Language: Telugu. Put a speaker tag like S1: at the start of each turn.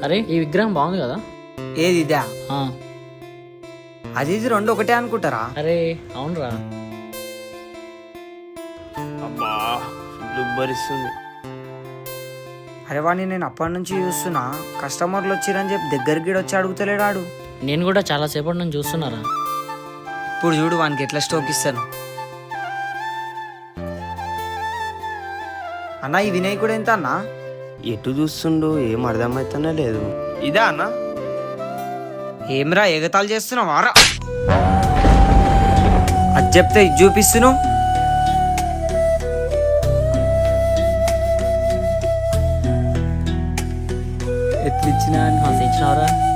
S1: అరే ఈ విగ్రహం బాగుంది కదా.
S2: ఏది ఇదా?
S1: ఆ,
S2: అది ఇది రెండు ఒకటే అనుకుంటారా?
S1: అరే అవునరా.
S3: అబ్బా ఫుల్ ఉబ్బరిస్తుంది.
S2: అరే వాడిని నేను అప్పటి నుంచి చూస్తున్నా, కస్టమర్లు వచ్చిరని చెప్పి దగ్గరికి వచ్చి అడుగుతలేడాడు.
S1: నేను కూడా చాలా సేపటి నుంచి చూస్తున్నారా.
S2: ఇప్పుడు చూడు వానికి ఎట్లా స్టోక్ ఇస్తాను. అన్న ఈ వినాయకుడు ఎంత అన్నా?
S3: ఎటు చూస్తుండు ఏం అర్థమవుతానే లేదు. ఇదా అన్న?
S2: ఏమ్రా ఎగతాలు చేస్తున్నావు వారా? అది చెప్తే ఇది చూపిస్తున్నావు.
S1: ఇచ్చినావరా.